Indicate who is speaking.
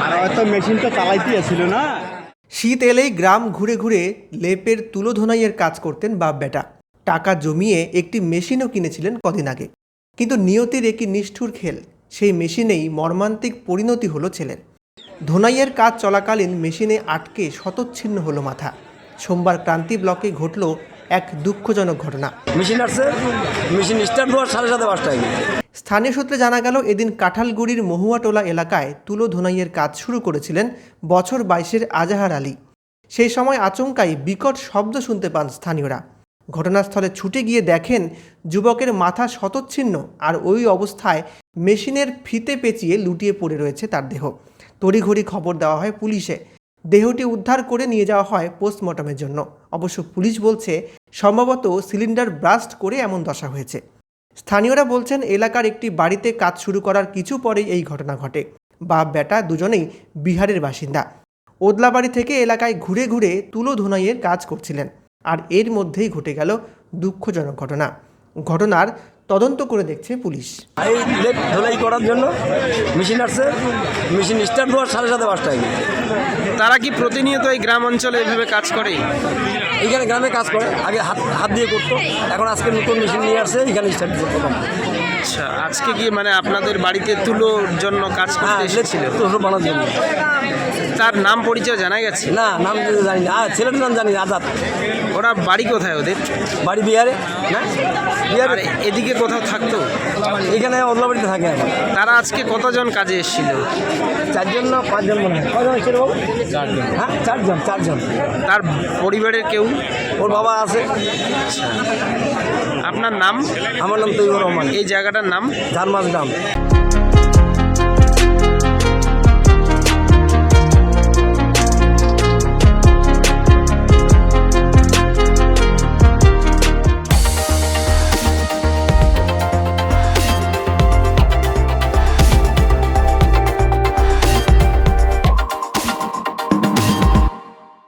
Speaker 1: আর হয়তো মেশিন তো চালাইতেই ছিল না।
Speaker 2: শীত এলেই গ্রাম ঘুরে ঘুরে লেপের তুলো ধোনাইয়ের কাজ করতেন বাপ বেটা। টাকা জমিয়ে একটি মেশিনও কিনেছিলেন কদিন আগে। কিন্তু নিয়তির একটি নিষ্ঠুর খেল, সেই মেশিনেই মর্মান্তিক পরিণতি হলো ছেলের। ধোনাইয়ের কাজ চলাকালীন মেশিনে আটকে শতচ্ছিন্ন হলো মাথা। সোমবার ক্রান্তি ব্লকে ঘটল এক দুঃখজনক ঘটনা।
Speaker 3: মেশিন আসছে, মেশিন স্টার্ট হওয়ার 5:30
Speaker 2: স্থানীয় সূত্রে জানা গেল, এদিন কাঁঠালগুড়ির মহুয়াটোলা এলাকায় তুলো ধোনাইয়ের কাজ শুরু করেছিলেন বছর 22-এর আজাহার আলী। সেই সময় আচমকাই বিকট শব্দ শুনতে পান স্থানীয়রা। ঘটনাস্থলে ছুটে গিয়ে দেখেন যুবকের মাথা শতচ্ছিন্ন, আর ওই অবস্থায় মেশিনের ফিতে পেঁচিয়ে লুটিয়ে পড়ে রয়েছে তার দেহ। তড়িঘড়ি খবর দেওয়া হয় পুলিশে। দেহটি উদ্ধার করে নিয়ে যাওয়া হয় পোস্টমর্টমের জন্য। অবশ্য পুলিশ বলছে সম্ভবত সিলিন্ডার ব্লাস্ট করে এমন দশা হয়েছে। স্থানীয়রা বলছেন এলাকার একটি বাড়িতে কাজ শুরু করার কিছু পরেই এই ঘটনা ঘটে। বাপ বেটা দুজনেই বিহারের বাসিন্দা। ওদলাবাড়ি থেকে এলাকায় ঘুরে ঘুরে তুলো ধোনাইয়ের কাজ করছিলেন, আর এর মধ্যেই ঘটে গেল দুঃখজনক ঘটনা। ঘটনার তদন্ত করে দেখছে পুলিশ।
Speaker 3: এই লেপ ধোলাই করার জন্য মেশিন আসছে, মেশিন স্টার্ট হওয়ার 5:30
Speaker 4: তারা কি প্রতিনিয়ত এই গ্রাম অঞ্চলে এভাবে কাজ করে?
Speaker 3: এইখানে গ্রামে কাজ করে, আগে হাত দিয়ে করতো, এখন আজকে নতুন মেশিন নিয়ে আসছে, এখানে স্টার্ট দিতে প্রথম।
Speaker 4: আচ্ছা, আজকে কি মানে আপনাদের বাড়িতে তুলোর জন্য কাজ করতে এসেছিল?
Speaker 3: তো বানার জন্য।
Speaker 4: তার নাম পরিচয় জানা গেছে?
Speaker 3: না, নাম জানি না, ছেলের নাম জানি, আজাদ।
Speaker 4: ওরা বাড়ি কোথায় ওদের?
Speaker 3: বাড়ি বিহারে। না,
Speaker 4: আর
Speaker 3: বিহারে।
Speaker 4: এদিকে কোথাও থাকতো?
Speaker 3: এখানে ওদলাবাড়িতে থাকে এখন।
Speaker 4: তারা আজকে কতজন কাজে এসেছিল?
Speaker 3: 4জন না 5জন মনে হয়। কয়জন এসেছিল বাবু? 4জন। হ্যাঁ, 4জন।
Speaker 4: তার পরিবারের কেউ?
Speaker 3: ওর বাবা আছে।
Speaker 4: আপনার নাম?
Speaker 3: আমার নাম তৈবুর রহমান।
Speaker 4: এই জায়গাটার নাম?
Speaker 3: ঝারমাস গ্রাম।